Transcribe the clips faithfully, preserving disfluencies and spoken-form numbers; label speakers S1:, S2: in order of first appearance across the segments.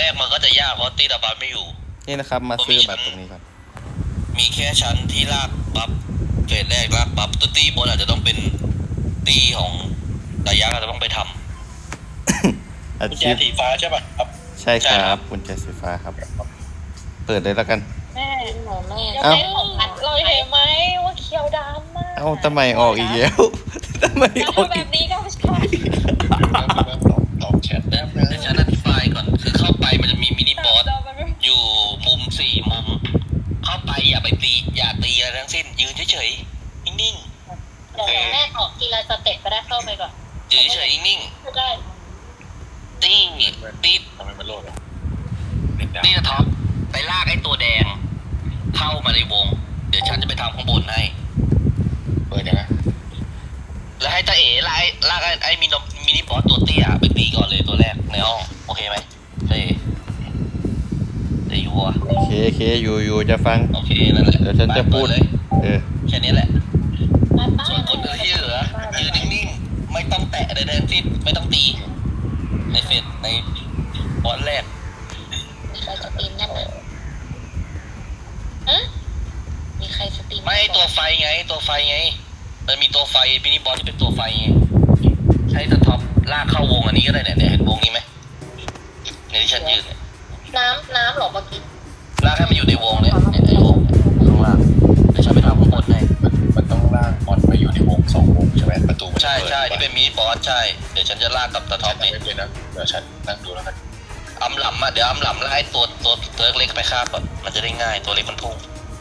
S1: แรกมันก็จะยากเพราะตีตาบัฟไม่อยู่
S2: นี่นะครับมาซื้อแบบตรงนี้ครับ
S1: มีแค่ชั้นที่ลากบัฟเฟสแรกลากบัฟตัวตีบนอาจจะต้องเป็นตีของระยะอาจจะต้องไปทำ
S2: อา
S1: กุญแจ
S2: ชีพ
S1: สีฟ้าใช่ป่ะครับ
S2: ใช่ครับกุญแจสีฟ้าครับเปิดเลยแล้วกัน
S3: แม่หนูแม่
S2: เอ้า
S3: เราเห็นไหมว่าเขียวดำมาก
S2: เอ้าทำไมออกอีกแล้วทำไมออก
S3: แบ
S2: อีก
S3: บนี้ก็ไม่ใช่
S1: ตอบแชทได้ไหมเดี๋ยวฉันอธิบายก่อนคือเข้าไปมันจะมีมินิบอสอยู่มุมสี่มุมเข้าไปอย่าไปตีอย่าตีอะไรทั้งสิ้นยืนเฉยๆนิ่งๆ
S3: เดี๋ยวแม่ออกทีละสเต็ปก็ได้เข้าไปก่อน
S1: ยืนเฉยๆนิ่ง
S3: ได้
S1: ๆตีตี
S4: ทำไมมันโลดอ่ะ
S1: ตีนะท็อปไปลากไอ้ตัวแดงเข้ามาในวงเดี๋ยวฉันจะไปทำข้างบนให้
S4: เปิดยังไง
S1: แล้วให้ตาเอ๋ลากไอ้ลากไอ้ไอ้มินมินิบอสตัวเตี้ยไปตีก่อนเลยตัวแรกในห้องโอเคไหมตาเอ๋ตาอยู่วะ
S2: โอเคโอเคอยู่อยู่จะฟัง
S1: โอเคนั่นแหละ
S2: เดี๋ยวฉันจะพูด
S1: เลย
S2: เออ
S1: แค่นี้แหละ
S3: มาป้า
S1: ส่วนคนอื่นที่เหลือยืนนิ่งๆไม่ต้องแตะใดๆทั้งสิ้นไม่ต้องตีในเฟสในบอสแรก
S3: เราจะตีมนั่นน่ะฮะมีใครสตรีม
S1: ไม่ตัวไฟไงตัวไฟไงมันมีตัวไฟมินิบอสที่เป็นตัวไฟไงใช้สท็อปลากเข้าวงอันนี้ก็ได้เนี่ยเนี่ยเห็นวงนี้ไหมในที่ฉันยืนเนี่ย
S3: น้ำน้ำหรอเมื่อกี้
S1: ลากให้มันอยู่ในวงเนี่ยเนี่ยในวงเนี่ยข้างล่างเดี๋ยวฉันไปทำข้างบนให้
S4: มันต้องลากบอลไปอยู่ในวงสองวงใช่ไหมประตูมัน
S1: ใช่ใช่ที่เป็นมินิบอสใช่เดี๋ยวฉันจะลากกับสท็อป
S4: ไม่
S1: เนี่ย
S4: เป็นนะเดี๋ยวฉันนั่งดูแล้วกัน
S1: อำหลำอ่ะเดี๋ยวอำหลำไล่ตัวตัวตัวเล็กไปคาบอ่ะมันจะได้ง่ายตัวเล็กมันพุ่ง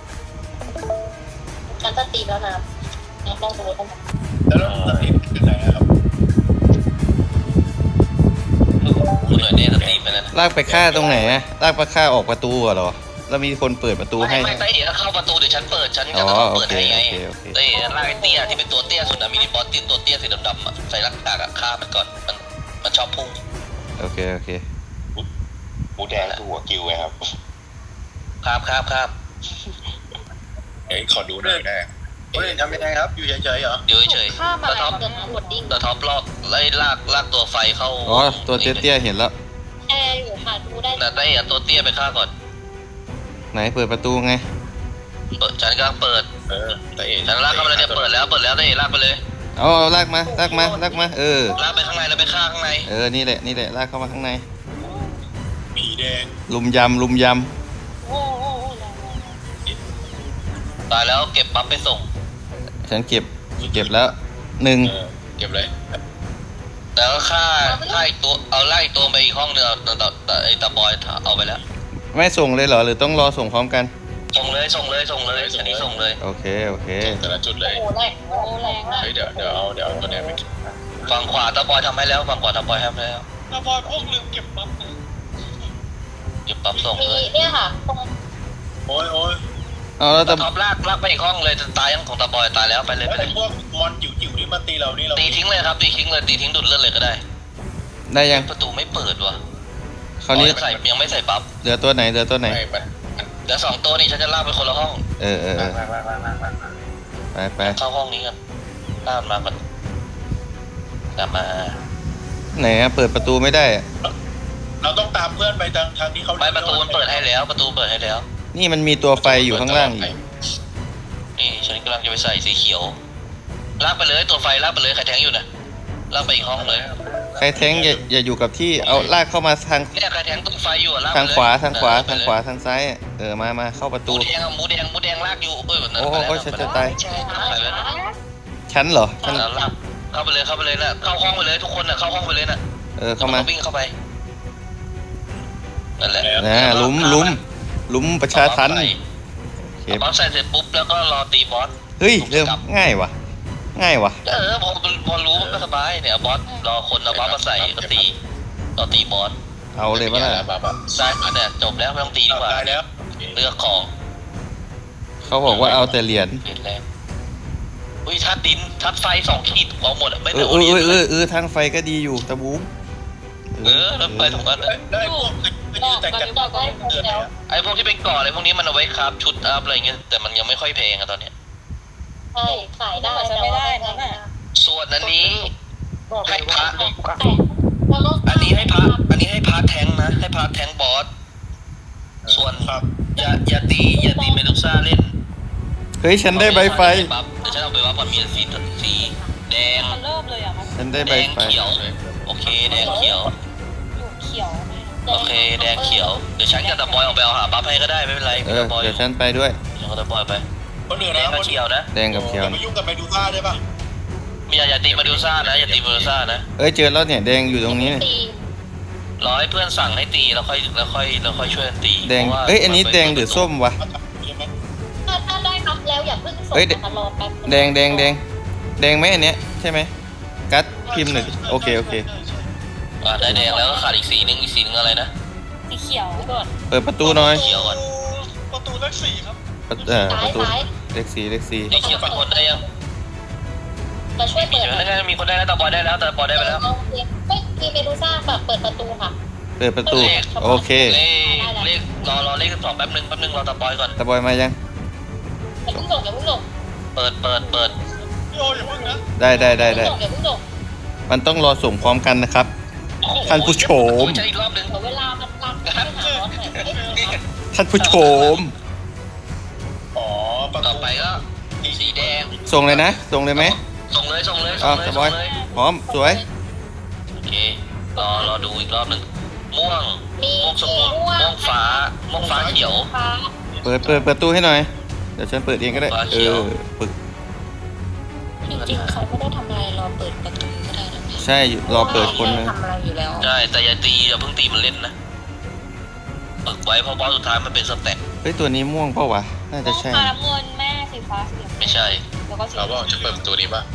S3: ฉันจะตีแล้วนะน้ำลองดูกัน
S4: แล้วเราจะติดเป็นไงครับ
S1: คุณเหนื่อยเนี่ยสตีไปแล้วนะ
S2: ลากไปฆ่าตรงไหนอะลากไปฆ่าออกประตูเหรอแล้วมีคนเปิดประตูให้
S1: ไม่ไม่ไต้เอ๋เข้าประตูเดี๋ยวฉันเปิดฉัน
S2: อ๋
S1: จะ
S2: อ
S1: ต้อง
S2: โอ
S1: เปิด
S2: เค
S1: ให้ไง
S2: โอเคโอเค
S1: เต้ลากไอ้เตี้ยที่เป็นตัวเตี้ยสุดนะมินิบอสที่ตัวเตี้ยสีดำๆอ่ะใส่ลักกากอะฆ่ามันก่อนมันมันชอบพุ่ง
S2: โอเคโอเค
S4: บูแดงคือหัวกิวไงครับ
S1: ครับครับครับ
S4: เอ้ยขอดูหน่อยได้เฮ้ยทำยังไงครับอยู่เฉยๆเหรอ
S1: เดี๋ยวเฉย
S3: ข้าม
S1: ๆ
S3: อะ
S1: ตะ
S3: ไร
S1: ท็อป
S3: เกิดกดดิ้ง
S1: ตะท็อปลอกไล่ลากลากตัวไฟเข้า
S2: อ๋อตัวเตี้ยๆเห็นแล้ว
S3: แอร์อยู่ค่ะดูได้
S1: น่ะไต้เอ๋ตัวเตี้ยไปฆ่าก่อน
S2: ไหนเปิดประตูไง
S1: เปิดฉันกำลังเปิด
S4: เออแต่เอ๋
S1: ฉันลากเข้ามาเลยเนี่ยเปิดแล้วเปิดแล้วเต้ลากไปเลย
S2: เอาเอาลากมาลากมาลากมาเออ
S1: ลากไปข้างในแล้วไปฆ่าข้างใน
S2: เออนี่แหละนี่แหละลากเข้ามาข้างใน
S4: หมีแดง
S2: ลุมยำลุมย
S3: โอ้โห
S1: ตายแล้วเก็บปั๊บไปส่ง
S2: ำฉันเก็บเก็บแล้วหนึ่ง
S4: เออเก็บเลย
S1: แต่ก็ฆ่าฆ่าอีกตัวเอาไล่ตัวไปอีกห้องเดียวแต่แต่ไอ้ตาบอยเอาไปแล้ว
S2: ไม่ส่งเลยเหรอหรือต้องรอส่งพร้อมกัน
S1: ส่งเลยส่งเลยส่งเลยอันนี้ส่งเลย
S2: โอเคโอเค
S4: แต่ละจุดเลย
S3: โอ้แรงโอ้แรงมาก
S4: เฮ้ยเดี๋ยวเดี๋ยวเอาเดี๋ยวเอาตัวเนี้ยไปเก็บ
S1: ฝั่งขวาตาบอยทำให้แล้วฝั่งขวาตาบอยทำให้แล้ว
S4: ตาบอยพวกลืมเก็บปั๊บเลย
S1: เก็บปั๊บส่ง
S3: มี
S1: เลย
S3: เนี่ยค่ะตรง
S4: โอ้ยโอ้ย
S2: เอาแล้ว
S1: ตา
S2: ตะ
S1: ท็อปลากลากไปอีกห้องเลยตายยังของตาบอยตายแล้วไปเลยไป
S4: แล้ว
S1: เล
S4: ไอ้
S1: ย
S4: พวกมอนจิ๋วๆที่มาตีเรานี่เรา
S1: ตีทิ้งเลยครับตีทิ้งเลยตีทิ้งดุดเลือดเลยก็ได้
S2: ได้ยัง
S1: ประตูไม่เปิดว่ะ
S2: คราวนี้
S1: ใส่ยังไม่ใส่ปั๊บ
S2: เหลือตัวไหนเหลือตัวไหน
S4: ไม่มันมัน
S1: เดี๋ยวสองตัวนี้ฉันจะลากไปคนละห้อง
S2: เออเออเออ
S4: มามามามามามา
S2: ไปไป
S1: เข้าห้องนี้กันลากมาก่อนกลับมา
S2: ไหนอะเปิดประตูไม่ได้อะ
S4: เราต้องตามเพื่อนไปทางทางที่เขา
S1: ไม่ประตูมันเปิดให้แล้วประตูเปิดให้แล้ว
S2: นี่มันมีตัวไฟอยู่ข้างล่างอีก
S1: นี่ฉันกำลังจะไปใส่สีเขียวลากไปเลยตัวไฟลากไปเลยใครแทงอยู่นะลากไปอีกห้องเลย
S2: ใครแท้งอย่าอย่าอยู่กับที่เอาลากเข้ามาทาง
S1: เนี่ยใครแทงตัวไฟอยู่อะลากไป
S2: ทาง
S1: เลย
S2: ขวาทางขวา
S1: เออ
S2: ทางขวาทางซ้ายอะเออมามาเข้าประ
S1: ห
S2: ตู
S1: มูแดงอะหมูแดงหมูแดงลากอยู่เอ้ยแบบนั้น
S2: โอ้โห
S1: ไปแล้ว
S2: ฉันจะตาย
S1: ไปแล้ว
S2: ชั้นเหรอชั้น
S1: แล้วลากเข้าไปเลยเข้าไปเลยนะเข้าห้องไปเลยทุกคนน่ะเข้าห้องไปเลยน่ะ
S2: เออเข้ามา
S1: วิ่งเข้าไปนั่นแหละ
S2: นะลุมลุมลุมประชาทัน
S1: ใส่
S2: โอเค
S1: บอสใส่เสร็จปุ๊บแล้วก็รอตีบอส
S2: เฮ้ยเริ่มง่ายวะง่ายวะ
S1: เออพอพอรู้มันก็สบายเนี่ยบอสรอคนเอาบอสมาใส่ก็ตีต่อตีบอส
S2: เอาเลยปะล่ะ
S4: บ้าบ้า
S1: ได้มาเนี่ยจบแล้วไม่ต้องตีดีกว่า
S4: ตายแล้ว
S1: เลือกของ
S2: เขาบอกว่าเอาแต่เหรียญ
S1: เปลี่ยนแรงอุ้ยทัดดินทัดไฟสองขีดเอาหมดอะไม่
S2: เอ
S1: ได้
S2: อ
S1: โอ
S2: เออ
S1: เดีย
S2: เออเออเออทางไฟก็ดีอยู่ตะบูม
S1: เออแล้วไปถูกกัน
S4: ได้ได้พวกไปยืนแต่กัน
S3: บอกได้หมดแล้ว
S1: ไอ้พวกที่เป็นก่ออะไรพวกนี้มันเอาไว้คราฟชุดอัพอะไรเงี้ยแต่มันยังไม่ค่อยแพงอะตอนเนี้ย
S3: ใช่ขายได้แต่ว่าไม่ได้
S1: ส่วนอันนี้ให้พระ
S3: แล้วก็
S1: อันนี้ให้พระอันนี้ให้พระแทงนะให้พระแทงบอสอย่าอย่าตีอย่าตีเมดูซ่าเล่น
S2: เฮ้ยฉันได้ใบไฟ
S1: เดี๋ยวฉันเอาไปว่าก่อนมีสีสีแดง
S5: มันเริ่มเลยอ่ะมัน
S2: ฉันได้
S1: แด
S2: ใบ
S1: ง
S2: ไฟ
S1: เขียวโอเคแดงเขียว
S5: อยู่เขียวไม่รู้
S1: โอเคแดงเขียวเดี๋ยวฉันกับตะบอยออกไปเอาหาบัฟให้ก็ได้ไม่เป็นไร
S2: เอ
S1: มี
S2: อ
S1: ตะบอยอ
S2: เดี๋ยว
S1: ยู่
S2: ฉันไปด้วย
S1: ฉันกับตะบอยไป
S4: คนอื่น
S1: แด
S4: นะ
S1: งกับเขียวนะ
S2: แดงกับเขียว
S4: อย่าไปยุ่งกับเมดูซ่าได้ป่ะ
S1: มีอย่าอย่าตีเมดูซ่านะอย่าตีเมดูซ่านะ
S2: เอ้ยเจอแล้วเนี่ยแดงอยู่ตรงนี้เนี่ย
S3: ตี
S1: รอให้เพื่อนสั่งให้ตีแล้วค่อยแล้วค่อยแล้วค่อยช่วยกันตี
S2: แดง
S1: พราะว่า
S2: เอ้ยอันนี้แดงหรือส้มวะ
S3: ถ้าถ้าได้ครับแล้วอย่าเพิ่งส่ง
S2: เฮ้ย
S3: นะคะรอแป๊บนึ
S2: แดงแดงแดงแดงไหมอันเนี้ยใช่ไหมกัดพิมพ์หน่อยดิโอเคโอเค
S1: อ่าได้แดงแล้วก็ขาดอีกสีนึงอีกสีนึงอะไรนะ
S5: สีเขียว
S3: ก่อน
S2: เปิดประตูหน่อย
S1: เขียวก่อน
S4: ประตูเลขสี่ครับ
S2: ประตูเอ่อป
S3: ซ้าย
S2: ระตู
S3: ซ้าย
S2: เลขสี่เลขสี่
S1: ไอ้เขียวเป็นคนได้ยัง
S3: มาช่วย
S1: มี
S3: เปิด
S1: ใช่ไหมนั่นไงมีคนได้แล้วตะบอยได้แล้วตะบอยได้ไปแล้ว
S3: โอเคไม่มีเมดูซ่าแบบเปิดประตูค่ะ
S2: เปิดประตูโอเค
S1: เลขเลขรอรอเลขสองแป๊บนึงแป๊บนึงรอตะบอยก่อน
S2: ตะบอยมายัง
S3: อย่าเพิ่งส่งอย่าเพิ่งส่ง
S1: เปิดเปิดเปิด
S4: พี่โออย่าเพิ่งนะ
S2: ได้ได้ได้ได้
S3: อย่าเพิ่งส่ง
S2: มันต้องรอส่งพร้อมกันนะครับ ท่านผู้ชม
S1: ใช้อีกรอบนึง
S3: เดี๋ยวเวลามันรักไปหาร้อนหน่อยเอ้ย
S2: ท่านผู้ชม
S4: อ๋อประ
S1: ต่อ
S4: ตู
S1: ไปก็สีแดง
S2: ส่งเลยนะ ส่งเลยไหม
S1: ส่งเลยส่งเลย
S2: อ้า
S1: ส่
S2: ว
S1: งเลย
S2: ตะบ
S1: ส่
S2: อง ย
S1: เลย
S2: พร้อมสวย
S1: โอเครอรอดูอีกรอบนึงม่วง
S3: มี
S1: ม่วงสม
S3: ม่
S1: ม่วง
S3: วง
S1: ม่วงฟ้าม่วงฟ้าเขียว
S3: ฟ้า
S2: เปิดเปิดประตูให้หน่อยเดี๋ยวฉันเปิดเองก็ได้
S1: ฟ้าเขี
S2: เอ
S1: ยว
S2: อปึก
S3: จริงๆเขาไม่ได้ทำอะไรรอเปิดประตูก็ได้นะ
S2: ใช่อยู่รอเปิดคนนึง
S3: ทำอะไรอยู่แล้ว
S1: ใช่แต่อย่าตีอย่าเพิ่งตีมันเล่นนะฝึกไว้เพราะบอสสุดท้ายมันเป็นสเต็ป
S2: เฮ้ยตัวนี้ม่วงเปล่าวะน่าจะใช่
S5: ฟ้าน้ำเงินแม่สีฟ้าสีเหลือง
S1: ไม่ใช่
S5: แล้วก็สี
S4: เราบอกจะเปิดประตูนี้ป่ะ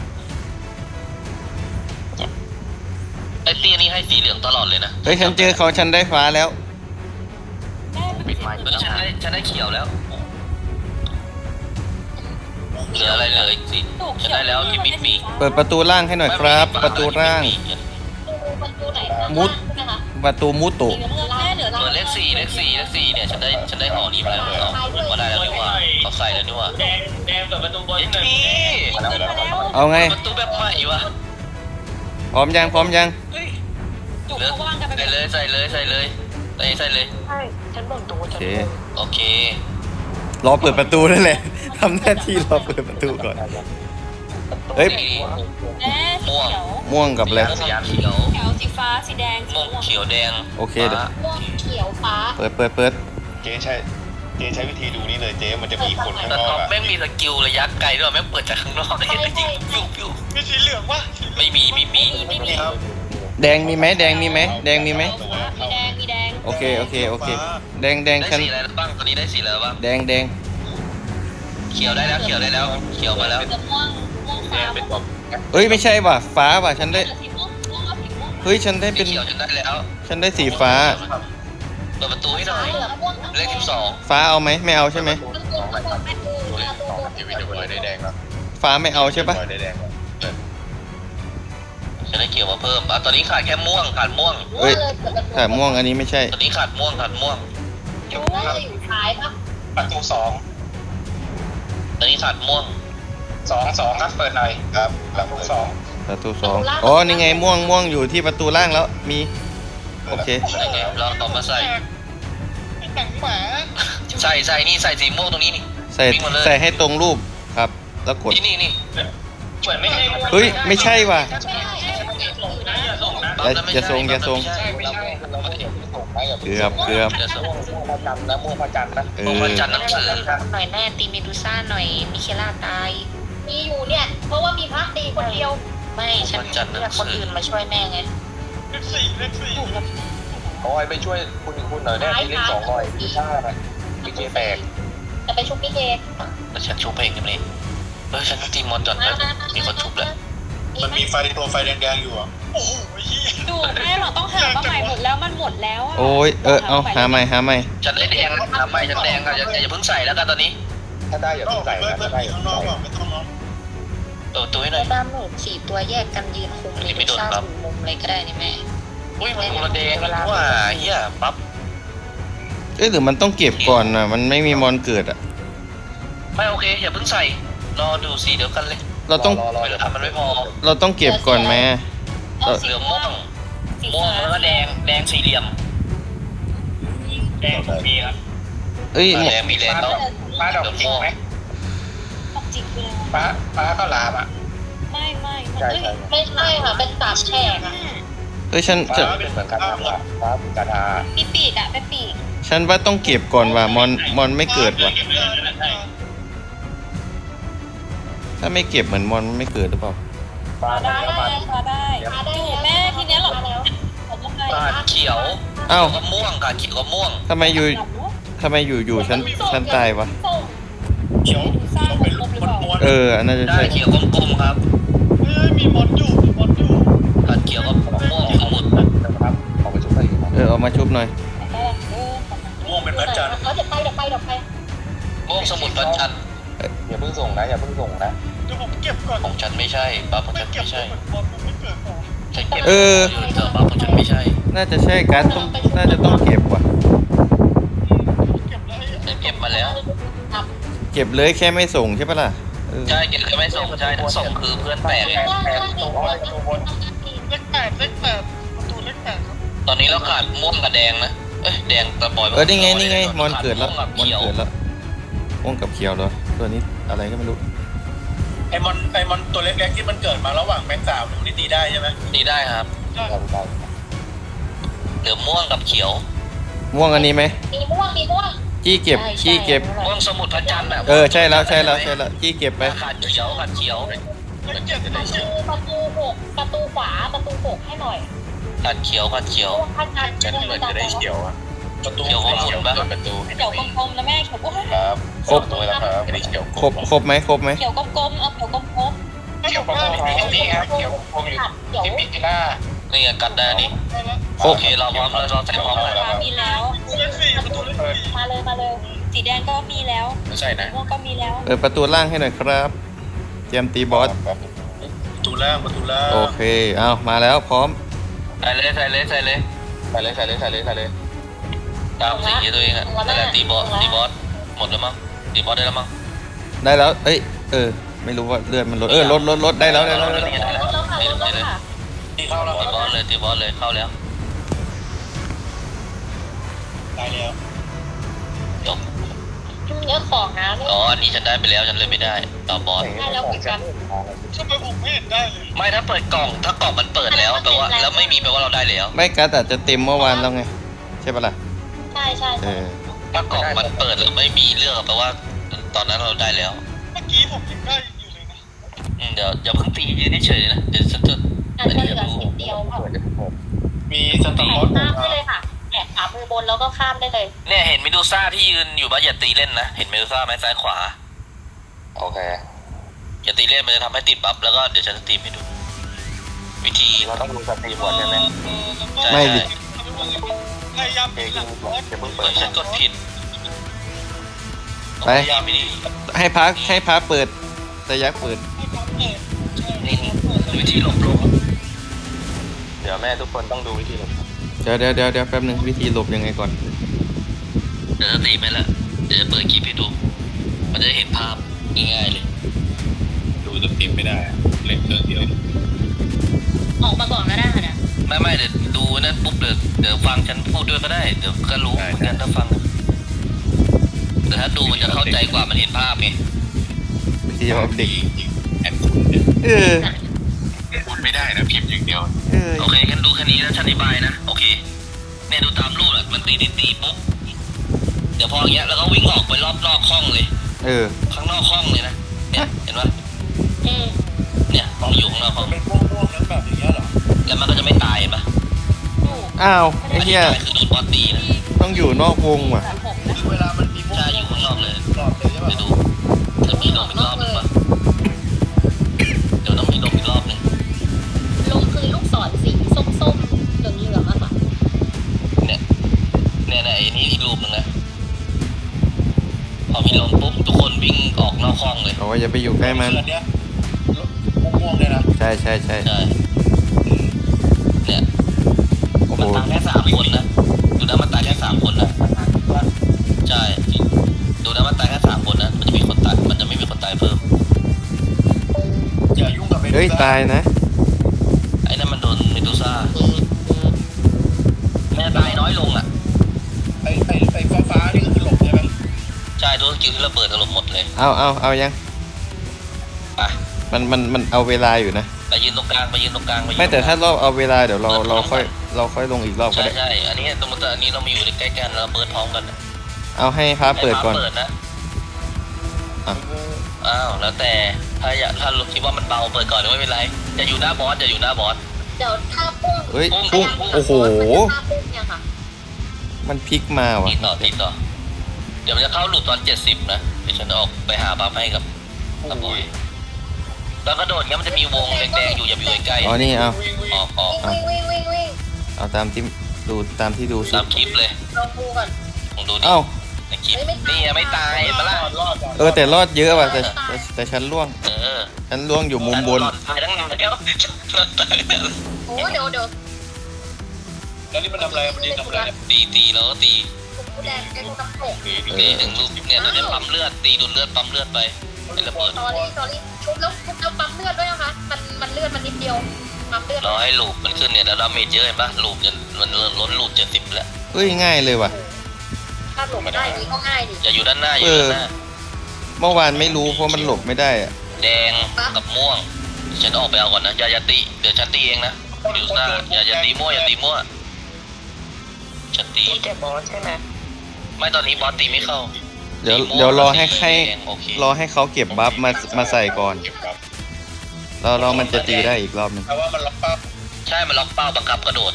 S1: ไอ้เตี้ยนี่ให้สีเหลืองตลอดเลยนะ
S2: เฮ้ยฉันเจอเขาฉันได้ฟ้าแล้ว
S5: แม่เป็นสีเหลื
S1: เออฉัน
S5: อง
S1: ได้ฉันได้เขียวแล้วเหลืออะไรเลยสี
S5: ถูก
S1: ฉัน
S5: เขียว
S1: ได้แล้วกิมมิคมี
S2: เปิดประตูล่างให้หน่อยครับ ประตูล่าง
S3: ประตูไหน
S2: มุด
S3: ใช่ไหมคะ
S2: ประตูมุตุ
S5: สีน้ำเงินแม่เหลือ
S1: เปิดเลขสี่เลขสี่เลขสี่เนี่ยฉันได้ฉันได้ห่อนี้มาแล้วเอาก็ได้แล้วนี่หว่าเขาใส่แล้วนี่หว่า
S6: แดงแดงเปิดประตูบน
S1: ไอ้
S6: หนึ่ง
S1: พี่
S5: มาแล้ว
S2: เอาไง
S1: ประตูแบบใหม่วะ
S2: พร้อมยังพร้อมยัง
S5: จุก
S1: เหลือ
S5: เขาว่างกันไป
S1: ใส่เลยใส่เลยใส่เลยใส่ใส่เลย
S3: ใช่ฉันบ่นตัว
S2: โอ
S3: ฉัน
S2: เค
S1: โอเค
S2: รอเปิดประตูนั่นแหละ ทำหน้าที่รอเปิดประตูก่อน เฮ้ย
S5: แม่สีเขียว
S2: ม่วงกับอะไร
S1: สีเขียว
S5: เขียวสีฟ้าสีแดงสี
S1: ม่วง
S5: ม่วง
S1: เขียวแดง
S2: โอเคเดี๋ยว
S3: ม่วงเขียวฟ้า
S2: เปิดเปิดเปิด
S4: เจ๊ใช้เจ๊ใช้วิธีดูนี่เลยเจ๊มันจะมีคนข้าง
S1: แต่
S4: นอก
S1: ท็อป
S4: อะ
S1: แม่งมีสกิลระยะไกลด้วยแม่งเปิดจากข้างนอกได้ยิงปิ้วปิ้ว
S4: มีสีเหลืองวะ
S1: ไม่มีไม่มี
S5: ไม่มี
S4: ครับ
S2: แดงมีไหมแดงมีไหมแดงมีไหม
S5: มีแดงมีแดง
S2: โอเคโอเคโอเค แดงแดง
S1: ได้
S2: ฉัน
S1: สีอะไรบ้างตอนนี้ได้สีอะไรบ้าง
S2: แดงแดง
S1: เขียวได้แล้วเขียวได้แล้วเขียวมาแล้ว
S5: จะม่วงม่วงฟ้าม่วง
S2: เอ้ยไม่ใช่ว่ะฟ้าว่ะฉันได้
S5: สีม่วงม่วงเอาสีม่วง
S2: เฮ้ยฉันได้
S1: สี
S2: เป็น
S1: เขียวจนได้แล้ว
S2: ฉันได้สีฟ้า
S1: เปิดประตูให้หน่อย
S3: เหลืองม่วง
S1: เลขสิบสอง
S2: ฟ้าเอาไหมไม่เอาใช่ไหม
S3: ประตูประตูแม่ตู
S4: ตัว
S3: ประตู
S4: สองทีวีเดี๋ยวบอยได้แดงแล้ว
S2: ฟ้าไม่เอาใช่ปะ
S4: บอยได้แดงแล้ว
S1: ฉันได้เขียวมาเพิ่มอ่ะตอนนี้ขาดแค่ม่วงขาดม่วง
S2: เฮ้ยแต่ม่วงอันนี้ไม่ใช่
S1: ตอนนี้ขาดม่วงขาดม่วง
S3: ม่วงจะอยู่ท้ายปะ
S4: ประตูสอง
S1: ตอนนี้ขาดม่วง
S4: สองสองครับเปิดหน่อยครับประตูสอง
S2: ประตูสองอ๋อนี่ไงม่วงม่วงอยู่ที่ประตูล่างแล้วมีโอเค
S1: ใส่ไงเราต่อมาใส่
S4: หนังหมา
S1: ใส่ใส่นี่ใส่สีม่วงตรงนี้นี่ ใส่
S2: ใส่ใส่ให้ตรงรูปครับ แล้วกด
S1: นี่นี่นี่
S6: เหมือนไม่ใช่
S2: เฮ้ยไม่ใช่ว่ะ
S3: ใช่ใช่
S2: อย่าอย่าทรงอย่าทรง
S1: ไม่ใช่ไม่ใช่
S2: เกือบเกือบ
S1: อย่าทรง
S4: พระจันทร์นะม่วงพระจันทร์นะ
S2: เอ
S1: ม่วง
S2: อ
S1: วันจันทร์หนังสือ
S3: หน่อยแน่ตีเมดูซ่าหน่อยมิเคล่าตาย มีอยู่เนี่ย เพราะว่ามีพระตีคนเดียว ไม่ฉันเรียกคนอื่นมาช่วยแม่ไง
S4: เลขสี่เลขสี่
S3: อยู่กับ
S4: บอยไปช่วยคุณคุณหน่อยแน่ที่เลขสองหน่อยพี่ชาติพี่เจแตก
S3: จะไปชุบพี่เค
S1: แล้วฉันชุบเองกันเลยเออฉันตีมอนก่อนนะมีคนชุบแล้ว
S4: มันมีไฟตัวไฟแดงๆอยู่อ่ะโอ้โหเฮีย
S5: ดูแม่เราต้องหามาใหม่หมดแล้วมันหมดแล้วะ
S2: โอ้ยเออเอาหาใหม่หาใหม่
S1: ฉันได้แดงทำไมฉันแดงอ่ะอย่าอย่าเพิ่งใส่แล้วกันตอนนี้
S4: ถ้าได้อย่าเพิ่งใส่นะถ้าได้อย่าเพิ่งใส่
S1: เออตัวให้หน่
S3: แล้
S1: อ
S3: วย ด้ามหนูสี่ตัวแยกกันยืนคุมเมดูซ่าถึงมุมเลยก็ได้นี่แม่
S1: อุ้ยมันคนละแดงนี่ว่าเฮียปั๊บ
S2: เอ้ยหรือมันต้องเก็บก่อนนะมันไม่มีมอนเกิดอ่ะ
S1: ไม่โอเคอย่าเพิ่งใส่รอดูสีเดียวกันเลย
S2: เราต้อง
S1: เวลามันไม่พอ
S2: เราต้องเก็บก่อนไหม
S5: เอาสี
S1: เหลือง
S5: ม่
S1: ม่
S5: ว
S1: ว
S5: ง
S1: ง
S5: สี
S1: ม่วง
S5: ฟ้า
S1: แล้วก็แดงแดงสี่เหลี่ยม
S6: แดงผมมีครับ
S1: แ
S2: เอ้ย
S1: แรงมีแรงแล้ว
S4: ฟ้าดอกจริงไหม
S5: ตอกจิกคืออะไร
S4: ฟ้าฟ้าข้าวหลามอ่ะ
S5: ไม่ไม่มัน
S4: ใช่
S5: เอ้ย
S4: ใช่
S3: ไม่ใช่ค่ะเป็นสามแฉกอะ
S2: เอ้ยฉัน
S4: ฟ้า
S2: ฉัน
S4: เป็นเหมือนกันนะฟ้าเป็นกระดาษ
S5: มีปีกอะเป็นปีก
S2: ฉันว่าต้องเก็บก่อนว่ะมอนมอนไม่เกิดว่ะถ้าไม่เก็บเหมือนมอนไม่เกิดหรือเปล่า
S4: ฟ้า
S3: ได้
S4: แล้ว
S3: ได้
S4: มัน
S5: มาได้
S3: มาได้
S5: อยู่
S3: แล้ว
S5: แม่ทีเนี้ยหรอ
S3: มาแล้ว
S5: ผมว่าไง
S1: ขาดเขียว
S2: เอ้า
S1: ก็ม่วงขาดเขียวก็ม่วง
S2: ทำไมอยู่ทำไมอยู่อยู่ฉันฉันตายวะ
S3: ส่ง
S4: เขียวต้องเป็นลูกมน
S2: เอออันน่าจะ
S1: ได้
S2: ใช่
S1: เขียวกลมๆครับ
S4: เฮ้ยมีมดอยู่มีมดอยู่
S1: ขาดเขียวก็ม่วงสมุด
S4: นะครับออกไปชุบไป
S2: เออเอามาชุบหน่อย
S4: ม่วงเป็นพระจันทร์
S3: เขาจะไปเดี๋ยวไปเดี๋ยวไป
S1: ม่วงสมุดประจันทร์
S4: อย่าเพิ่งส่งนะอย่าเพิ่งส่งนะเดี๋ยวผมเก็บก่อน
S1: ของฉันไม่ใช่ปั๊บของฉันไม่ใช่
S4: บอลผมไม่เกิดหรอ
S1: ฉันเก็บ
S2: เออ
S1: เธอปั๊บของฉันไม่ใช่
S2: น่าจะใช่การ์ดต้องน่าจะต้องเก็บว่ะ
S4: เก็บแล้ว
S1: ฉันเก็บมาแล้ว
S2: เก็บเลยแค่ไม่ส่งใช่ปะล่ะเออ
S1: ใช่เก็บแค่ไม่ส่งใช่ถ้าส่งคือเพื่อนแตกไง
S4: แปดตัวตัวบนเลขแปดเลขแปดประตูเลขแปดครับ
S1: ตอนนี้เราขาดม่วงกับแดงนะเอ้ยแดงตะบอย
S2: เออนี่ไงนี่ไงมอนเกิดแล้ว
S1: ขา
S2: มอน
S1: ม่วงกับเขียว
S2: เกิดแล้วม่วงกับเขียวเหรอตัวนี้อะไรก็ไม่รู้
S4: ไอมอนไอมอนตัวเล็กๆที่มันเกิดมาระหว่างแม็กสามนี่ตีได้ใช่ไหม
S1: นี่ได้ครับ
S4: ได้
S1: เหลือม่วงกับเขียว
S2: ม่วงอันนี้ไหม
S3: มีม่วงมีม่วง
S2: จี้เก็บจี้เก็บ
S1: ม่วงสมุดพระจันทร์อ่ะ
S2: เออใช่แล้วใช่แล้วใช่แล้วจี้เก็บไป
S1: ขาดเขียวขาดเขียว
S4: เลขเจ็ด
S3: ประตูประตูหกประตูขวาประตูหกให้หน่อย
S1: ขาดเขียวขาดเขียว
S3: ม่วงข้างใน
S4: ฉันเหมือนจะได้เขียวอะประตู
S1: เขียวของคุณปะ
S4: ประตู
S5: เขียวกลมๆนะแม่เขียวกลม
S4: ครับ
S2: ครบ
S4: ตัวแล้วครับไม่ได้เขียว
S2: ครบครบไหมครบไหม
S5: เขียวกลมๆเอาเขียวกลม
S4: เขียวประตูนี่ครับเขียวผมอยู่
S3: เดี๋ยว
S4: ที่ปิจิล่า
S1: นี่ไงกัดได้นี่
S2: คร
S1: โอบ เคเราพร้อมแล้วเราใส่พร้อม
S5: ๆ
S1: แล้ว
S5: ฟ้ามีแล้ว
S4: เลขสี่ประตูเลขสี่
S3: มาเลยมาเลย
S5: สีแดงก็มีแล้ว
S4: ไม่ใช่นะ
S5: ม่วงก็มีแล้ว
S2: เออประตูล่างให้หน่อยครับเตรียมตีบอส
S4: ประตูล่างประตูล่าง
S2: โอเคเอามาแล้วพร้อม
S1: ใส่เลยใส่เลยใส่เลย
S4: ใส่เลยใส่เลยใส่เลยใส่เลย
S1: ตามสีตัวเองอะนั่นแหละตีบอสตีบอสหมดแล้วมั้งตีบอสได้แล้วมั้ง
S2: ได้แล้วเอ้ยเออไม่รู้ว่าเลือดมันลดเออลดลดลดได้แล้วได้แล้วได้แล้ว
S1: ได้แล้ว
S3: แล้วค่ะ
S1: ได้
S3: แล้ว
S1: เลย
S3: ค่ะ
S4: ตีเข้าแล้ว
S1: ตีบอสเลยตีบอสเลยเข้าแล้ว
S4: ตายแล้ว
S1: จบ
S3: เนื้อของนะนี่
S1: อ๋ออันนี้ฉันได้ไปแล้วฉันเลยไม่ได้ต่อบอส
S3: ได้แล้วเหมือนกัน
S4: ทำไมผมไม่เห็นได้เลย
S1: ไม่ถ้าเปิดกล่องถ้ากล่องมันเปิดแล้วแปลว่าแล้วไม่มีแปลว่าเราได้แล้ว
S2: ไม่การ์ดอาจจะเต็มเมื่อวานแล้วไงใช่ปะล่ะ
S3: ใช่ใช่
S2: เอ
S3: ใช่
S2: อ
S1: ถ้ากล่องมันเปิดแล้วไม่มีเลือกแปลว่าตอนนั้นเราได้แล้ว
S4: เมื่อกี้ผมยังได้อยู่เลยนะ
S1: อืมเดี๋ยวอย่าเพิ่งตียืนเฉยๆนะเดี๋ยวฉันจะ
S3: อาจจะเหลือสิบเดียวค่ะ
S4: มีสต
S3: แตะ
S4: อร์
S3: ข้ามได้เลยค่ะแตะขามือบนแล้วก็ข้ามได้เลย
S1: เนี่ยเห็นเมดูซ่าที่ยืนอยู่บ้านอย่าตีเล่นนะเห็นเมดูซ่าไหมซ้ายขวา
S4: โอเค
S1: อย่าตีเล่นมันจะทำให้ติดบัฟแล้วก็เดี๋ยวฉันจะตีให้ดู วิธี
S4: เราต้องดูสตรีมก่อนใช่ไหม
S1: ใช่
S2: ไม่ดิ
S4: พยายามตีหลังบอสอย่าเพิ่ง
S1: เปิ
S4: เปิ
S1: ด
S4: ด
S1: ฉันกดผิด
S2: ไป
S1: พยายามไม่ดี
S2: ให้พักให้พักเปิดแต่ยักษ์เปิด
S1: นี่วิธีหลบหลบ
S4: เดี๋ยวแม่ทุกคนต้องดูวิธีหลบ
S2: เดี๋ยวเดี๋ยวเดี๋ยวเดี๋ยวแป๊บนึงวิธีหลบยังไงก่อน
S1: เดี๋ยวจะตีไปแล้วเดี๋ยวจะเปิดคลิปให้ดู มันจะเห็นภาพง่ายๆเลย
S4: ดูสตรีมไม่ได้เล่นเครื่องเดียว
S3: ออกมาก่อนก็ได้ค่ะเนี่ย
S1: ไม่ไม่เดี๋ยวดูนั่นปุ๊บเดี๋ยวเดี๋ยวฟังฉันพูดด้วยก็ได้ เดี๋ยวก็รู้เหมือนกันถ้าฟัง แต่ถ้าดูมันจะเข้าใจกว่ามันเห็นภาพไง
S2: วิธีออกเด็ก
S4: แอนคุณเนี่ย
S2: เออ
S4: พูดไม่ได้นะพิมพ์อย่างเดียว
S2: เออ
S1: โอเคงั้นดูแค่นี้แล้วฉันอธิบายนะ โอเค เนี่ยดูตามรูปอะมันตีตีตีปุ๊บ เดี๋ยวพออย่างเงี้ยแล้วก็วิ่งออกไปรอบนอกห้องเลย
S2: เออ
S1: ข้างนอกห้องเลยนะ เนี่ยเห็นปะ
S3: อืม
S1: เนี่ยมันอยู่ข้างนอกห้อง
S4: เป็นม่วงๆนั้นแบบอย่างเงี้ยเหรอ
S1: แล้วมันก็จะไม่ตายเห็นปะ
S2: อ้าวไอ้
S1: อันนี้
S2: เหี้ย
S1: ตายคือโดนบอสตีนะ
S2: ต้องอยู่นอกวงว่ะ
S4: เวลามันมีม่วง
S1: ใช่อยู่ข้างนอกเลย
S4: หลอดเลยใช่
S1: ไป
S4: ป่ะ
S1: ดูจะมีลมอีกรอบหนึงปะเดี๋ยวต้องมีลมอีกรอบหนึง
S3: ลงคือลูกศรสีส้มๆเหลืองๆอะค่ะ
S1: เนี่ยเนี่ยเนี่ยไอ้นี้อีกรูปหนึงนะพอมีลมปุ๊บทุกคนวิ่งออกนอกห้องเลย
S2: บอกว่าอย่าไปอยู่ใกล้มัน
S4: เนี้ยม่วงๆเลยนะ
S2: ใช่ใช่ใช่
S1: ใช่เนี่ย
S2: โอ้โห
S1: มันตายแค่สามคนนะดูนะมันตายแค่สามคนนะใช่ดูนะมันตายแค่สามคนนะมันจะมีคนตายมันจะไม่มีคนตายเพิ่ม
S4: อย่ายุ่งกับ
S2: เฮ้ยตายนะ
S1: ไอ้นั่นมันโดนเมดูซ่าแม่ตายน้อยลงอ่ะ
S4: ไอ้ไอ้ไอ้ฟ้าฟ้าๆนี่ก็คือหลบใช่ไหม
S1: สกิลที่ระเบิดถล่มหมดเลย
S2: เอาเอาเอายัง
S1: ไป
S2: มันมันมันเอาเวลาอยู่นะ
S1: ไปยืนตรงกลางไปยืนตรงกลางปยืน
S2: ไม่แต่ถ้า
S1: รงกล
S2: รอบเอาเวลาเดี๋ยวเราเราค่อยเราค่อยลงอีกรอบก็
S1: ใช่
S2: ได้
S1: ใช่อันนี้สมมติว่าอันนี้เรามาอยู่ใกล้ๆกันเราเปิดพร้อมกันนะ
S2: เอาให้พาเปิดก่อน
S1: ให้ฟ้าเปิดนะ
S2: อ่ะ
S1: อ้าวแล้วแต่ถ้าอยากถ้าคิดว่ามันเบาเปิดก่อนไม่เป็นไรจะอยู่หน้าบอสจะอยู่หน้าบอส
S3: เดี๋ยวถ้าพุ่ง
S2: เฮ้ย
S1: พุ่
S2: พุ่ง
S1: ง
S2: โอ้โห
S3: ถ้าพุ่งเนี่ยค่ะ
S2: มันพลิกมาว่ะ
S1: ตีต่อตีต่อเดี๋ยวมันจะเข้าหลุดตอนเจ็ดสิบนะเดี๋ยวฉันออกไปหาบัฟให้กับตะบอยแล้วกระโดดเงี้ยมันจะมีวงแดงๆอยู่อย่าไปอยู่ใกล้
S2: อ๋อนี่เอา
S1: ๆออกออก
S3: วิ่งวิ่งวิ่งวิ่ง
S2: เอาตามที่ดูตามที่ดูสิ
S1: ตามคลิปเลย
S3: ลองดูก่อน
S1: ลองดูดิ
S2: เอ้า
S1: ในคลิปนี่ยังไม่ตายเห็นปะล่ะ
S2: เออแต่รอดเยอะว่ะแต่แต่แต่ฉันล่วง
S1: เออ
S2: ฉันล่วงอยู่มุมบน
S1: หลอดตายทั้งงานแล้วตายแล้ว
S3: โอ้เดี๋ยวเดี๋ยว
S4: แล้วนี่มันทำอะไรมันยืนทำอะไรเนี่ย
S1: ตีตีแล้วก็ตี
S3: ผมแดงแกดูน้ำตก
S4: หนีหนี
S1: ตีถึงลูกเนี่ยตอนนี้ปั๊มเลือดตีดูดเลือดปั๊มเลือดไปไอ้ระเบิด
S3: ตอรี่ตอรี่ชุบแล้วชุบแล้วปั๊มเลือดด้วยนะคะมันมันเลือดมันนิดเดียวปั๊มเลือด
S1: รอให้ลูปมันขึ้นเนี่ยแล้วดาเมจเยอะเห็นปะลูปจนมันล้นลูปเจ็ดสิบแล้ว
S2: เฮ้ยง่ายเลยว่ะ
S3: ถ้าหลบได้นี้ก็ง่ายดิ
S1: อย่าอยู่ด้านหน้าอย่าอยู่ด้านหน้า
S2: เมื่อวานไม่รู้เพราะมันหลบไม่ได้อะ
S1: แดงกับม่วงฉันออกไปเอาก่อนนะอย่าอย่าตีเดี๋ยวฉันตีเองนะดิวซ่าอย่าอย่าตีมั่วอย่าตีมั่วฉันตี
S3: ตีแต่บอสใช่ไหม
S1: ไม่ตอนนี้บอสตีไม่เข้า
S2: เดี๋ยว
S1: ตีมั่ว
S2: เดี๋ยวรอให้
S1: ตี
S2: ให้
S1: แดงโอเค
S2: รอให้เขาเก็บบัฟมามาใส่ก่อน
S4: เก็บครับ
S2: แล้วเรามันจะตีได้อีกรอบหนึง
S4: เพราะว่ามันล็อกเป้า
S1: ใช่มันล็อกเป้าบังคับกระโดด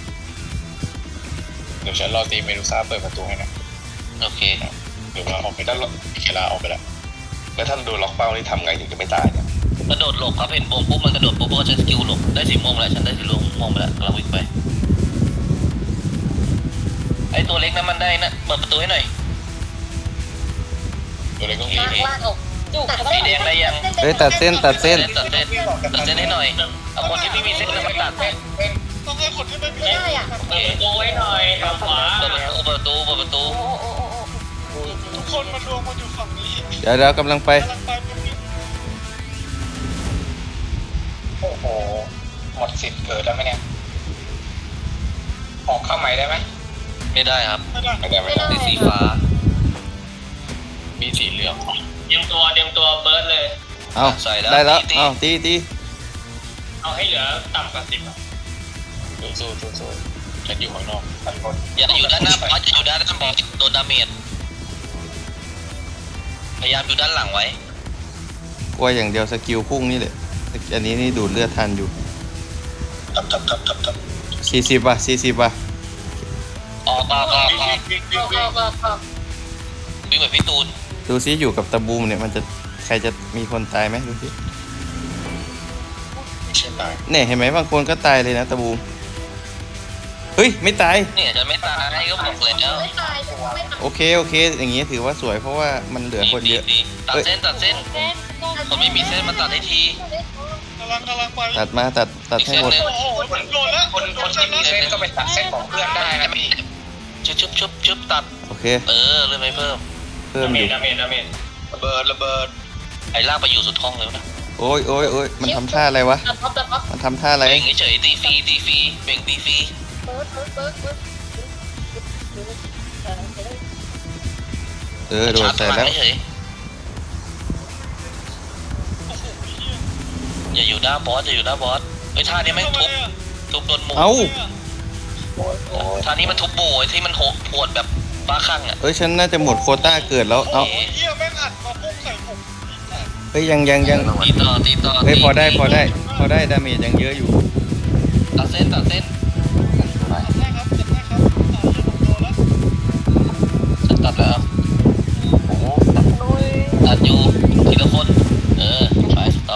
S4: เดี๋ยวฉันรอตีเมดูซ่าเปิดประตูให้นะ
S1: โอเค
S4: เดี๋ยวเราออกไปด้านหลังเคลาออกไปแล้วแล้วท่านโดนล็อกเป้านี่ทำไงถึงจะไม่ตายเนี่ย
S1: กระโดดหลบครับเห็นวงปุ๊บมันกระโดดปุ๊บก็ใช้สกิลหลบได้สีม่วงแล้วฉันได้สีม่วงไปแล้วกำลังวิ่งไปไอตัวเล็กนั้นมันได้นะเปิดประตูให้หน่อย
S4: ตัวเล็กต้อง
S3: ลากลากออก
S5: จุก
S3: ตัด
S1: สีแดงได้ยัง
S2: เฮ้ยตัดเส้นตัดเส้น
S1: ตัดเส้นตัดเส้นให้หน่อยเอาคนที่ไม่มีเส้นมาตัด
S4: ต้องให้คนที่ไม่มี
S3: ไม่ได้อ่ะ
S1: โอเค
S6: เปิดประตูไว้หน่อยทางขวา
S1: เปิดประตูเปิดประตูเปิดประตู
S4: ทุกคนมันรวมมาอยู่ฝั่งนี้
S2: เดี๋ยวเรากำลังไป
S4: กำลังไปเป็นนิดโอ้โหหมดสิทธิ์เกิดแล้วไหมเนี่ยออกเข้าใหม่ได้ไหม
S1: ไม่ได้ครับ
S4: ไม่ได้ไม่ได้ไม่ได้
S1: สีสีฟ้า
S4: มีสีเหลือง
S6: เตรียมตัวเตรียมตัวเบิร์ดเลย
S2: เอาได้แล้วเอาตีตี
S6: เอาให้เหลือต่ำกว่าสิบอะ
S4: สู้สู้สู้สู้ฉันอยู่ข้างนอกทันคน
S1: อย่าอยู่ด้านหน้าบอสอย่าอยู่ด้านหน้าบอสโดนดาเมจพยายามอยู่ด้านหลังไว้
S2: กลัวอย่างเดียวสกิลพุ่งนี่แหละอันนี้นี่ดูดเลือดทันอยู่
S4: ทับทับทับทับทับ
S2: สี่สิบว่ะสี่สิบว่ะ
S1: ออกออกออกออก
S4: วิ่งวิ่
S3: อง อก
S4: วิ่
S3: อง อกออกออก
S1: วิ่งแบบพี่ตูน
S2: ดูซิอยู่กับตะบูมเนี่ยมันจะใครจะมีคนตายไหมดูสิ
S4: ไม่ใช่ตาย
S2: เนี่ยเห็นไหมบางคนก็ตายเลยนะตะบูมเฮ้ยไม่ตาย
S1: เนี่ยจะไม่ตายก็บอกเลยแล้ว
S3: ไม่ตายไม่ตาย
S2: โอเคโอเค อย่างงี้ถือว่าสวยเพราะว่ามันเหลือคนเยอะ
S1: ดีตัดเส้นตัดเส้น
S5: เส้นก็
S1: คนไม่มีเส้นมาตัดให้ที
S4: กำลังกำลังไป
S2: ตัดมาตัดตัดให้หมด
S1: อีกเส้นหนึ่ง
S4: โอ้โหมันโดนแล้วคนคนที่มีเส้นก็ไปตัดเส้นของเพื่อนได้นะพี่
S1: ชุบชุบชุบชุบตัด
S2: โอเค
S1: เออเลื่อนไปเพิ่ม
S2: เพิ่ม
S6: ดาเม
S2: อยู่
S6: จดาเมจดาเมจ
S4: ระเบิดระเบิด
S1: ไอ้ลากไปอยู่สุดห้องเลยนะ
S2: โอ้ยโอ้ยโอ้ยมันทำท่าอะไรวะ
S3: ตัดท็อปตัดท็อป
S2: มันทำท่าอะไร
S1: เบ่งเฉยตีฟรีตีฟรีเบ่งตีฟรี
S3: เบิร์ดเบิร์ดเบิร์ดเบิร์ด
S2: เออโดนใส่แล้ว
S1: เฉยอย่าอยู่หน้าบอสอย่าอยู่หน้าบอสไอ้ท่านี้ไม่ทุบทุบโดนหมู
S2: เอ้า
S1: ท่านี้มันทุบโบไอ้ที่มันโหดปวดแบบบ้าคลั่งอ่ะ
S2: เอ้ยฉันน่าจะหมดโควต้าเกิดแล้วเอ้า
S4: เฮียแม่งอัดมาพุ่งใส่ผม
S2: เฮ้ยยังยังยัง
S1: ตีต่อตีต่อ
S2: เฮ้ยพอได้พอได้พอได้ดาเมจยังเยอะอยู่
S1: ตัดเส้นตัดเส้น
S4: ได้ครับจัดได้ครับอ่าเดี๋ยวผมโดนแล้ว
S1: ฉันตัดแล้วตัดอยู่ทีละคนเออไปต่อ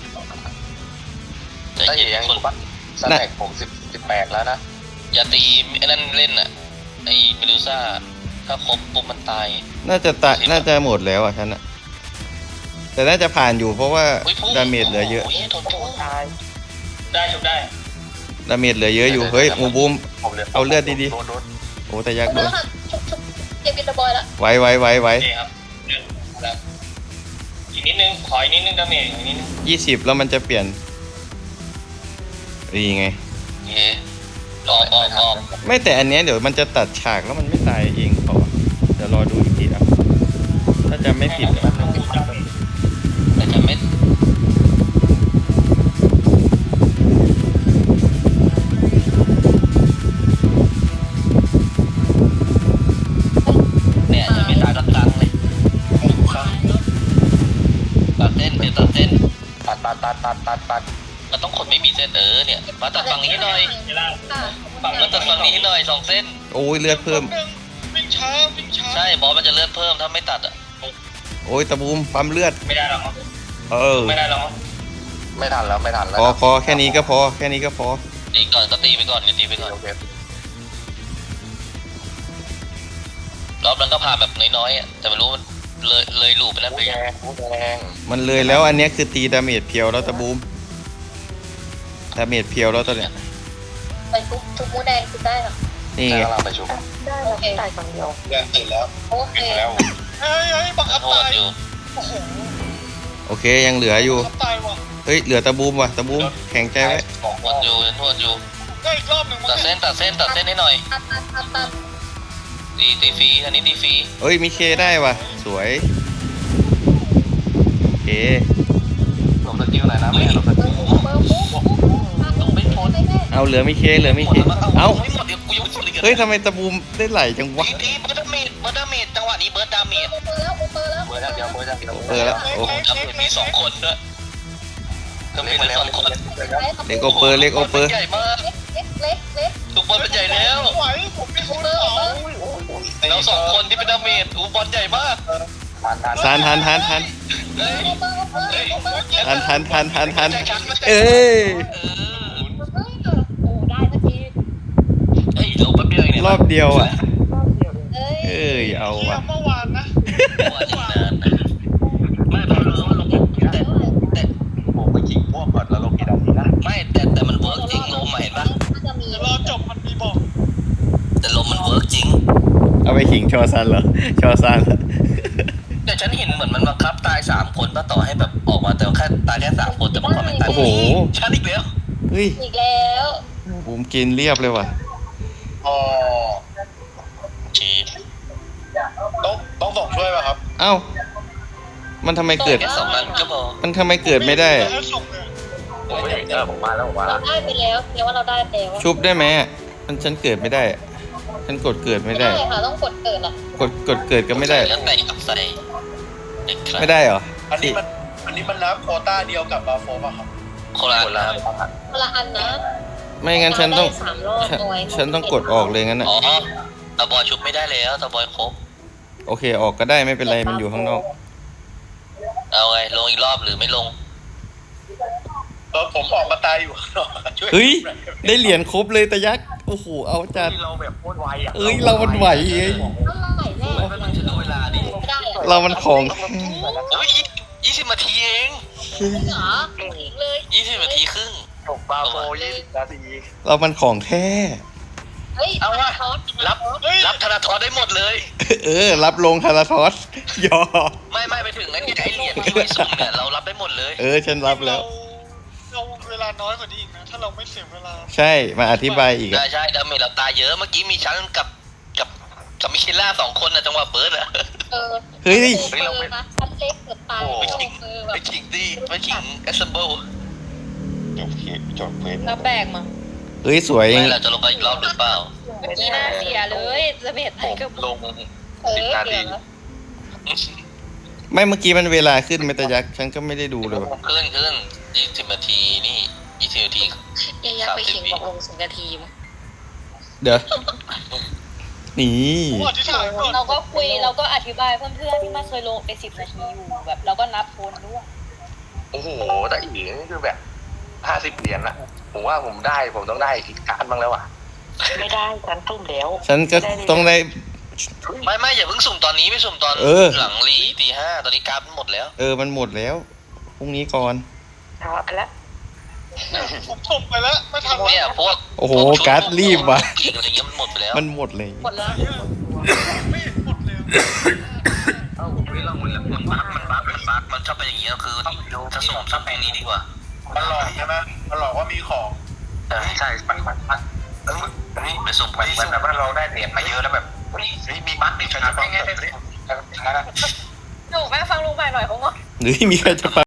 S1: ใจ
S4: ได้
S1: เย็น
S4: ยัง
S1: คน
S4: ปั๊บสแต็กผมสิบสิบแปดแล้วนะ
S1: อย่าตีไอ้นั่นเล่นอ่ะไอ้เมดูซ่าถ้าครบปุ๊บมันตาย
S2: น่าจะตะน่าจะหมดแล้วอ่ะฉันอะแต่น่าจะผ่านอยู่เพราะว่า
S1: อุ๊ยพุ่ง
S2: ดาเมจเหลือเยอะ
S1: โโโดนโดนตาย
S6: ได้ชุบได้
S2: ดาเมจเหลือเยอะอยู่เฮ้ยหมูบูม
S4: ผมเหลือ
S2: เอาเลือดดีๆ
S4: โนโน
S2: โอ้แต่ยักษ์โด
S3: แล้
S2: น
S3: วค่ะชุบชุบเก็บบินบอยละ
S2: ไว้ไว้ไว้ไว้
S6: โอเคครับเดี๋ยวแล้วอีกนิดนึงขออีกนิดนึงดาเมจอีกนิดนึง
S2: ยี่สิบแล้วมันจะเปลี่ยนนี่ไง
S1: โอเคออกออกออก
S2: ไม่แต่อันเนี้ยเดี๋ยวมันจะตัดฉากแล้วมันไม่ตายเองเปล่าวะเดี๋ยวรอดูอีกทีอ่ะถ้าจำไม่ผิด
S1: แต่จะไม่เนี่ยจะไม่ตายสักครั้งเลยตัดเส้นเดี๋ยวตัดเส้น
S4: ตัดตัดตัดตัดตัดตัด
S1: มันต้องขนไม่มีเส้นเออเนี่ยมาตัดฝั่งนี้ให้หน่อย
S6: เวลา
S1: ฝั่งมาตัดฝั่งนี้ให้หน่อยสองเส้น
S2: โอ้ยเลือดเพิ่ม
S6: วิ่งช้าวิ่งช้า
S1: ใช่บอสมันจะเลือดเพิ่มถ้าไม่ตัดอ่ะ
S2: โอ้ยตะบูมปั๊มเลือด
S6: ไม่ได้หรอก
S2: เออ
S6: ไม่ได้หรอก
S4: ไม่ทันแล้วไม่ทันแล้ว
S2: พอพอแค่นี้ก็พอแค่นี้ก็พอ
S1: ตีก่อนก็ตีไปก่อนเนี่ยตีไปก่อน
S4: โอเค
S1: รอบนั้นก็พาแบบน้อยๆอ่ะแต่ไม่รู้มันเลยเลยลูปไปแล้วไป
S4: แด
S1: ยัง
S4: งแดง
S2: มันเลยแล้วอันเนี้ยคือตีดาเมจเพียวแล้วตะบูมดาเมจเพียวแล้วตัวเนี้ย
S3: ไปทุบทุบหมูแดงทุบได้เหรอ
S2: นี่
S4: ใช่
S2: ไง
S4: กำลังไปชุบ
S3: ได้โอเคตายคนเดียว
S4: แดงตื่นแล้ว
S3: โอเค
S4: ตื่นแล้ว
S6: เฮ้ยเฮ้ยบังคับ
S1: โทษ
S6: ตาย
S1: อยู่
S6: โอ้โห
S2: โอเคยังเหลืออยู่
S6: บังคับตายว่ะ
S2: เฮ้ยเหลือตะบูมว่ะตะบูมแข็งใจไว้
S4: สอง
S1: โทษอยู่โทษอยู่
S6: ได้อีกรอบหนึ่งมั้
S1: ตัด
S6: ง
S1: เส้นตัดเส้นตัดเส้นให้หน่อย
S3: ตัดตัดตัดตัด
S1: ตีตีฟรีอันนี้ตีฟรี
S2: เอ้ยมีเคได้ว่ะสวยโอเค
S4: หลบสกิลหน่อยนะแม่หลบส
S3: เบ
S4: กิ
S3: อ
S4: ล
S3: ร์มุกเบอร์มุกต้องไม่พ้นไม่แม่
S2: เอาเหลือมีเคเหลือมีเคเอ้า
S1: ไม่หมดเดี๋ยวกูยังไม่หมดเลย
S2: เฮ้ยทำไมตะบูมได้ไหลจังวะ
S1: ตีตีเบิร์ดดาเมจเบิร์ดดาเมจจังหวะนี้เบิร์ดดาเมจ
S3: เบอร์แล้วเบอร์แล้ว
S4: เบอร์เดียวเบอร์เดียว
S2: เปิดแล้วโอ้
S1: ดาเมจมีสองคนด้วยดาเมจมีสองคน
S2: เล็กโอเปอร์เล็กโอเปอร์
S1: ใหญ่มาก
S3: เล็กเล็กเล็กเล็ก
S1: ทุกบอลเป็นใหญ่แล้ว
S6: ไหวผมมีคุณ
S3: เบอ
S6: ส
S3: ร์
S6: อง
S3: เบอร์
S1: เราสองคนที่เป็นดาเมจอูบอลใหญ่มาก
S4: ทานทาน
S2: ทันทันทันทัน
S1: เฮ้ย
S3: เบอร์เบอร์เบอร์
S2: ทันทันทันทันทันเอ้ย
S1: เออ
S3: โอ้ได้เมื่อกี้
S1: เฮ้ยเราแป๊บเดียวเองเนี่ย
S2: รอบเดียวอ่ะ
S3: เอ้ย
S2: เอ้ยเอา
S6: เที่ย
S2: ว่ะ
S6: เมื่อวานนะ
S1: ว่าจะนานนะไม่พอรู้ว่าลงแต่แต่
S4: ผมไปขิงพวกก่อนแล้วลงกี่ดอกนี้นะ
S1: ไม่แต่แต่มันเวิร์กจริงลมเห็นปะ
S3: น่าจะมี
S6: เดี๋ยวรอจบมันมีบอก
S1: แต่ลมมันเวิร์กจริง
S2: เอาไปขิงชอซันเหรอชอซันเหรอ
S1: แต่ฉันเห็นเหมือนมันบังคับตายสามคนป่ะต่อให้แบบออกมาแต่แค่ตายแค่สามคนแต่บางคนไม่ตาย
S2: โอ้โห
S1: ฉันอีกแล้ว
S2: เฮ้ย
S3: อีกแล้ว
S2: บูมกินเรียบเลยว่ะ
S4: อ๋อ
S1: ชี
S4: ต้องต้องส่งช่วยป่ะครับ
S2: เอ้ามันทำไมเกิด
S1: แค่สองนัดก็พอ
S2: มันทำไมเกิดไม่ได้อะ
S6: ให้ส่งเลย
S4: ผมไม่เห็นเออผมมาแล้วผมมา
S3: เรา
S4: แล้ว
S3: ได้ไปแล้วเรียกว่าเราได้ไปแล้ว
S2: ชุบได้ไหมอะมันฉันเกิดไม่ได้อะฉันกดเกิดไม่ได้
S3: ค่ะต้องกดเกิดอ่ะ
S2: กดกดเกิดก็ไม่ได้
S1: แล้วแต่กับใส่เด็กครับ
S2: ไม่ได้เหรอ
S4: อันนี้มันอันนี้มันนับโควต้าเดียวกับบาโฟป่ะครับ
S1: โคราชนะครับ
S3: คนละอันนะ
S2: ไม่งั้นฉันต้อง
S3: ได้สามรอบ
S2: ฉัน
S3: หน่วย
S2: ฉันต้องกดออกเลยงั้นอ่ะ
S1: อ๋อตาบอยชุบไม่ได้แล้วตาบอยครบ
S2: โอเคออกก็ได้ไม่เป็นไรมันอยู่ข้างนอก
S1: เอาไงลงอีกรอบหรือไม่ลง
S4: เออผมออกมาตายอยู่ข้างนอกช่วย
S2: เฮ้ยได้เหรียญครบเลยตะยักษ์โอ้โหเอาจัด
S4: ที่เราแบบโคตรไวอ่ะ
S2: เอ้ยเรามันไหวเอ้ย
S3: เท่าไหร่แน่
S1: ไม่ต้องจะดูเวลาดิ
S3: ไม่ได้เหรอ
S2: เรามันของ
S1: โอ้ยยี่สิบนาทีเอง
S3: จริงเหรออีกเลย
S1: ยี่สิบนาทีครึ่ง
S4: จบบาโฟยี่สิบนาที
S2: เรามันของแท้
S3: เฮ้ย
S1: เอาว่ะ
S3: ทอส
S1: รับรับธนาธรได้หมดเลย
S2: เออ รับลงคาราทอสยอ
S1: ไม่ไม่ไปถึงไอ้ไอ้เหรียญที่ไม่สุ่มเนี่ยเรารับได้หมดเลย
S2: เออฉันรับแล้ว
S6: เราเวลาน้อยกว่านี้อีกนะ ถ้าเราไม่เสียเวลา
S2: ใช่มาอธิบายอีก
S1: ใช่
S2: อะ
S1: ใช่ดาเมจเราตายเยอะเมื่อกี้มีชั้นกับกับกับมิเคล่าสองคนนะจังหวะเบิร์ดอะ
S3: เออ
S2: เฮ้ย
S3: เออนะชั้นเล็กเกือบตายไม่ลงมือแบ
S1: ไป
S3: บ
S1: ชิงดีไปชิงเอสเซมเบิล
S4: จบเคจบเพจ
S5: แล้วแบกมา
S2: เฮ้ยสวย
S1: ไม่เราจะลงไปอีกรอบหรือเปล่า
S5: เมื่อกี้น่าเสียเลยจะเบ็ดไทยกับ
S4: ลง
S3: เอ
S4: สิบ
S3: อ
S4: นา
S3: เดี๋
S4: ที
S3: ยวนะ
S2: ไม่เมื่อกี้มันเวลาขึ้นไหมตะยักษ์ฉันก็ไม่ได้ดูเลยว่ะ
S1: ขึ้นขึ้นยี่สิบนาทีนี่ยี่สิบนาที
S3: เอยากไปขิงบอกลงสิบนาทีมั้ง
S2: เดี๋ยวนี่
S6: ผมอธิษฐานก่อน
S5: เราก็คุยเราก็อธิบายเพื่อนๆที่มาเคยลงไปสิบนาทีอยู่แบบเราก็นับคนด้วย
S4: โอ้โหแต่อีกนี่คือแบบห้าสิบเหรียญอะผมว่าผมได้ผมต้องได้อีกการบ้างแล้วอ่ะ
S3: ไม่ได้ฉันตุ่มแล้ว
S2: ฉันก็ต้องได้
S1: ไม่ไม่อย่าเพิ่งสุ่มตอนนี้ไม่สุ่มตอน
S2: เออ
S1: หลังรีตีห้าตอนนี้กราฟหมดแล้ว
S2: เออมันหมดแล้วพรุ่งนี้ก่อน
S3: ช้าไปแล้ว
S6: ผมส่งไปแล้ว ไม่ทัน
S1: เนี่ยพวก
S2: โอ้โห
S1: พวชุด
S2: การ์ดรีบว่ะ
S1: อีกอะไรเงี้ยมันหมดไปแล้ว
S2: มันหมดเลย
S3: หมดแล้ว
S6: ไม่เห็นหมดเลย
S1: เอ้าเฮ้ยเรามันมันบั๊กมันบั๊กมันบั๊กมันชอบเป็นอย่างนี้คือจะส่งซับแปลงนี้ดีกว่า
S4: มันหลอกใช่ไหมมันหลอกว่ามีของ
S1: เออใช่มันมันมันเออเฮ้ยไปส่งไป
S4: เหมือนแบบว่าเราได้เหรียญมาเยอะแล้วแบบเฮ้ยมีบัตรมีใครจะฟังแบบนี้
S5: หนูหม่หน่อยเขางอ
S2: หรือมีใครจะฟัง